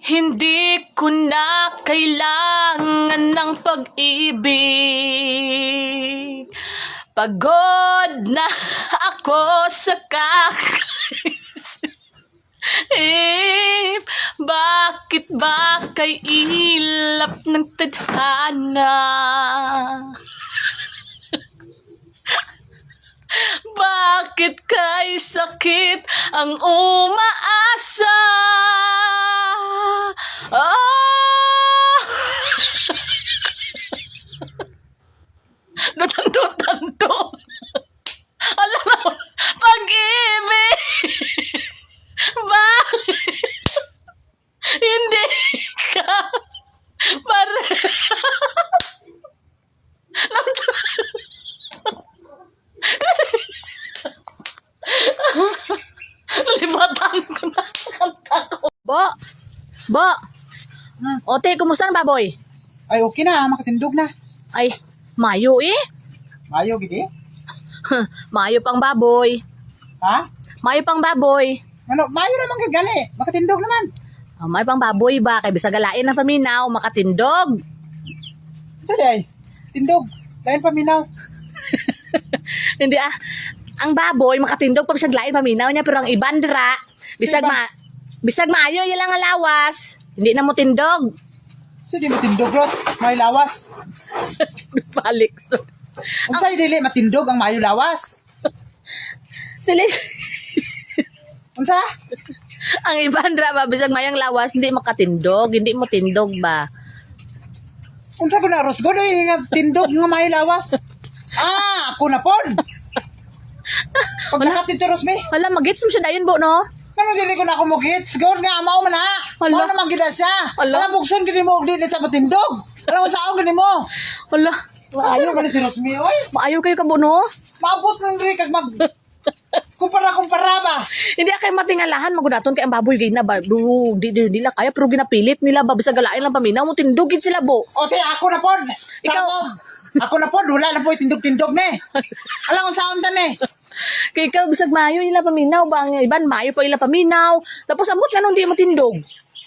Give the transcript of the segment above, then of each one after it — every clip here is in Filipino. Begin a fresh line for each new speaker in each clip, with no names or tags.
Hindi ko na kailangan ng pag-ibig. Pagod na ako sa kakaisip. Bakit ba kay ilap ng tadhana? Bakit kay sakit ang umaasa? Oh! Dutang-dutang-to. Alam mo, pag-ibig. Bakit hindi ka pare? Libatan ko na kanta ko. Bo. Ote, kumusta na baboy?
Ay, okay na. Makatindog na.
Ay, mayo eh.
Mayo, gidi.
Mayo pang baboy.
Ha?
Mayo pang baboy.
Ano, mayo naman gani. Makatindog naman.
May pang baboy ba? Kay bisag galain ng paminaw, makatindog.
Saan ay? Tindog. Lain paminaw.
Hindi ah. Ang baboy, makatindog pa bisag lain paminaw niya. Pero ang ibandra, bisag maayo yun lang ang lawas. Hindi na mo tindog.
Saan di matindog, Ros? May lawas.
Balik.
Unsay dili matindog ang mayo lawas?
Sili.
Unsa?
Ang ibandra ba, bisag mayang lawas, hindi makatindog. Hindi mo tindog ba?
Unsa ko na, Ros? Gono yung nga tindog nga mayo lawas. Ah, ako na pod. Pag nakatito, Ros, me.
Hala, magits mo siya dayon bo, no?
Ano dili ko na ako mugits? Gawin nga, amaw man ha.
Hala.
Mao naman gina siya.
Hala.
Alam, buksan gini mo, di sa matindog. Alam mo sa ako gini mo.
Hala,
Ano naman si Ros, me, oy?
maayo kayo ka bo, no?
Maabot ng diri kag mag kumpara ba?
Hindi kay matingalahan magudaton kay ang baboy gay na ba. Di nila kaya pero ginapilit nila ba bisag galain lang paminaw mo tindugin sila bo.
Ote, ako na pod.
Ikaw.
Ako na pod, wala na po tindog-tindog ne. Alam ko saan ta ne.
Kay ikaw bisag mayo ila paminaw ba ang iban mayo pa ila paminaw. Tapos amot nga nung di mo tindog.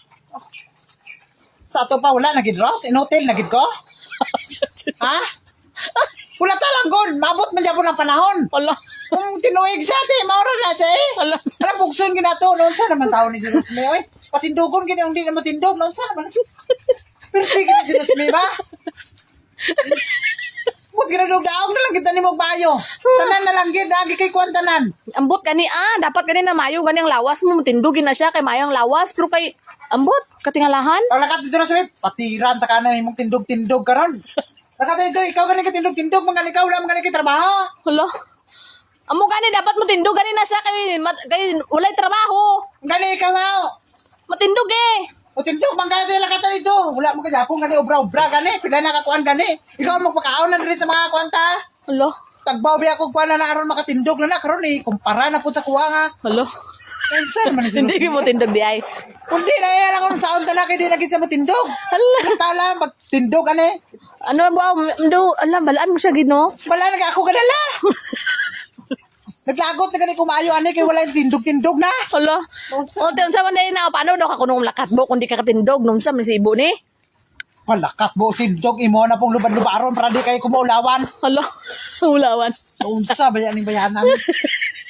Sa ato pa wala nagid Ross, in hotel nagid ko. Ha? Wala ta lang gon, maabot man gyapon ang panahon.
Hala.
Kung tinuig sa ate, mauro na siya eh.
Hala.
Alam, bukson ginato, noon sa naman tao ni si Rosme, oy. Patindugon gina, hindi na matindog, noon sa naman. Pero di gina si Rosme ba? Bukod ginadog daong na lang kita ni Magbayo. Tanan na lang gid, agi kay kuwan tanan.
Ambot gani dapat gani na mayo gani ang lawas mo tindugin na siya kay mayang lawas pero kay ambot katingalahan.
Pag nakatito na Rosme, patiran ta ka na imong tindog-tindog karon. Nakatito, ikaw gani ka tindog-tindog, mga ikaw wala mga kay trabaho.
Hala. Amo gani dapat mo tindog gani na siya kay walay trabaho.
Gani ikaw ha.
Matindog eh.
O tindog, mangga sila kata dito. Wala mo kajapong gani, obra-obra gani. Pila na kakuan gani. Ikaw ang magpakaon na rin sa mga kuwanta.
Hala.
Tagbaw biya ko kuan na aron makatindog na karon eh. Kumpara na po sa kuwa nga.
Hala.
Saan man si
Hindi mo tindog di ay.
Kundi na yan ako sa on talaki di lagi sa matindog.
Hala.
Tala magtindog ani.
Ano ba mdo alam balaan mo siya gino.
Wala na ako ganala. Naglagot na gani kumayo ani kay wala tindog-tindog na.
Hala. O te unsa man dai na paano daw ka kunong lakat mo kundi ka katindog nung sa si ibo ni.
Palakat mo tindog imo na pong lubad-lubaron para di kay kumuulawan.
Hala. Ulawan.
Unsa ba yan ning bayanan?